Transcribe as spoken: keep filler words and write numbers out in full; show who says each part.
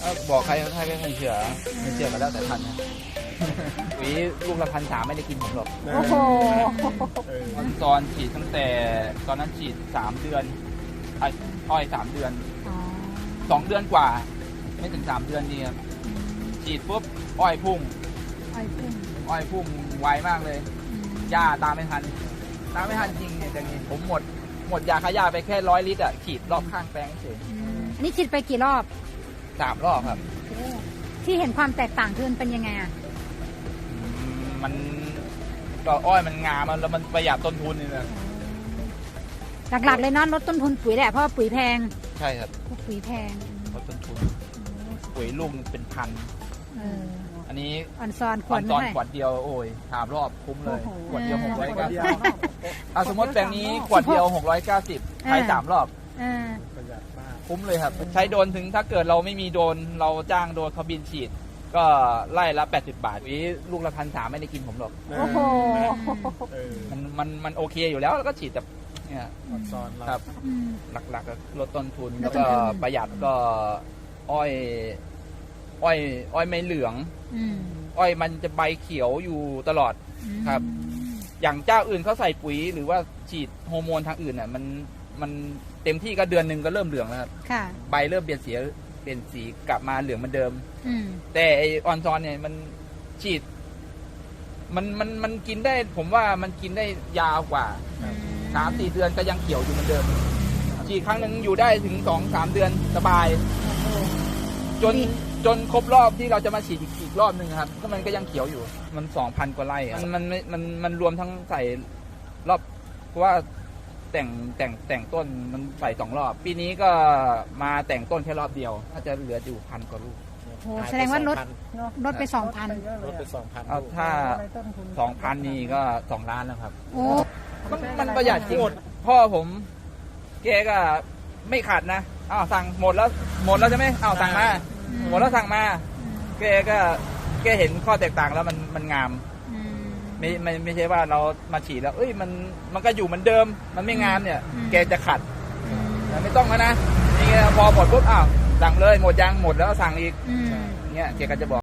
Speaker 1: บอกใครใครไม่เชื่อไม่เชื่อกันแล้วแต่ทันนะหวีลูกละพันสามไม่ได้กินผมหรอก
Speaker 2: โอ้โห
Speaker 1: ตอนฉีดตั้งแต่ตอนนั้นฉีดสามเดือนไอ้อ้อยสามเดือน
Speaker 2: อ๋อ
Speaker 1: สองเดือนกว่า ไม่ถึงสามเดือนนี่ครับฉีดปุ๊บอ้อยพุ่ง
Speaker 2: ไอ้พุ่ง
Speaker 1: อ้อยพุ่งไวมากเลย
Speaker 2: อืม
Speaker 1: หญ้าตามไม่ทันตามไม่ทันจริงเนี่ยแต่นี่ผมหมดหมดยาฆ่าหญ้าไปแค่ร้อยลิตรอ่ะฉีดรอบข้างแปลงเฉย
Speaker 2: อืมอันนี้ฉีดไปกี่รอบ
Speaker 1: สามรอบครับ
Speaker 2: ที่เห็นความแตกต่างคือมันเป็นยังไงอ่ะ
Speaker 1: อืมมันก็อ้อยมันงามมันแล้วมันประหยัดต้นทุนนี่นะ
Speaker 2: หลักๆเลยเนาะลดต้นทุนปุ๋ยแหละเพราะว่าปุ๋ยแพง
Speaker 1: ใช่ครับ
Speaker 2: พวกปุ๋ยแพง
Speaker 1: ลดต้นทุนปุ๋ยลูกเป็นพัน
Speaker 2: เออ
Speaker 1: อันนี้
Speaker 2: อ่อนซอนข
Speaker 1: คว ว
Speaker 2: ด
Speaker 1: ต
Speaker 2: เท่า
Speaker 1: อน
Speaker 2: ไหร่
Speaker 1: ขวดเดียวโอ้ยสามรอบคุ้มเลย
Speaker 2: โอ้โห
Speaker 1: ขวดเดียว
Speaker 2: เออ
Speaker 1: หกร้อยเก้าสิบอ่ะสมมติแปลงนี้ขวดเดียวหกร้อยเก้าสิบใช้สามรอบ
Speaker 2: เออ
Speaker 3: ประหยัดมาก
Speaker 1: คุ้มเลยครับ ใช้โดรนถึงถ้าเกิดเราไม่มีโดรนเราจ้างโดรนเขาบินฉีด ก็ไล่ละแปดสิบบาทวิลูกละพันสามไม่ได้กินผมหรอก
Speaker 2: โอ้โห
Speaker 3: เออ
Speaker 1: มันมันมันโอเคอยู่แล้วแล้วก็ฉีดแบบเนี่ย
Speaker 3: ออนซอนเรา
Speaker 1: ครับ
Speaker 2: อืม
Speaker 1: หลักๆก็ลดต้นทุน
Speaker 2: ล
Speaker 1: แล้
Speaker 2: ด
Speaker 1: ว
Speaker 2: ต้น
Speaker 1: ก็
Speaker 2: ทุน
Speaker 1: ประหยัดก็อ้อย อ้อย อ้อยไม่เหลือง
Speaker 2: อืม
Speaker 1: อ้อยมันจะใบเขียวอยู่ตลอด ครับ อย่างเจ้าอื่นเขาใส่ปุ๋ยหรือว่าฉีดฮอร์โมนทางอื่นน่ะมันมันเต็มที่ก็เดือนหนึ่งก็เริ่มเหลืองแล้วครับ
Speaker 2: ค่ะ
Speaker 1: ใบเริ่มเปลี่ยนสีเปลี่ยนสีกลับมาเหลืองเหมือนเดิม
Speaker 2: อืม
Speaker 1: แต่ไอออนซอนเนี่ยมันฉีด มันมันมันกินได้ ผมว่ามันกินได้ยาวกว่าสามสี่เดือนก็ยังเขียวอยู่เหมือนเดิมฉีดครั้งหนึ่งอยู่ได้ถึงสองสามเดือนสบาย จนจนครบรอบที่เราจะมาฉีดอีกอีกรอบหนึ่งครับก็มันก็ยังเขียวอยู่ มันสองพันกว่าไร่อะมันมันมันมันมันรวมทั้งใส่รอบเพราะว่าแต่งแต่งแต่งต้นมันใส่สองรอบ ปีนี้ก็มาแต่งต้นแค่รอบเดียวถ้าจะเหลืออยู่พันกว่าลูก
Speaker 2: โหแสดงว่าลดลดไปสองพัน
Speaker 3: ลดไปสองพัน
Speaker 1: เอาถ้าสองพันนี่ก็สองล้านแล้วครับ
Speaker 2: โอ้
Speaker 1: มันมันประหยัดจริงพ่อผมแกก็ไม่ขาดนะอ้าวสั่งหมดแล้วหมดแล้วใช่ไหมอ้าวสั่งมาหมดแล้วสั่งมาแกก็แกเห็นข้อแตกต่างแล้วมันมันงาม
Speaker 2: อืม
Speaker 1: ไม่ไม่ไม่ใช่ว่าเรามาฉีดแล้วเอ้ยมันมันก็อยู่เหมือนเดิม มันไม่งามเนี่ย
Speaker 2: อืม
Speaker 1: แกจะขัด
Speaker 2: อืม
Speaker 1: แต่ไม่ต้องแล้วนะนี่ไงพอหมดปุ๊บอ้าวสั่งเลยหมดยังหมดแล้วสั่งอีก
Speaker 2: อืม
Speaker 1: เนี่ยแกก็จะบอก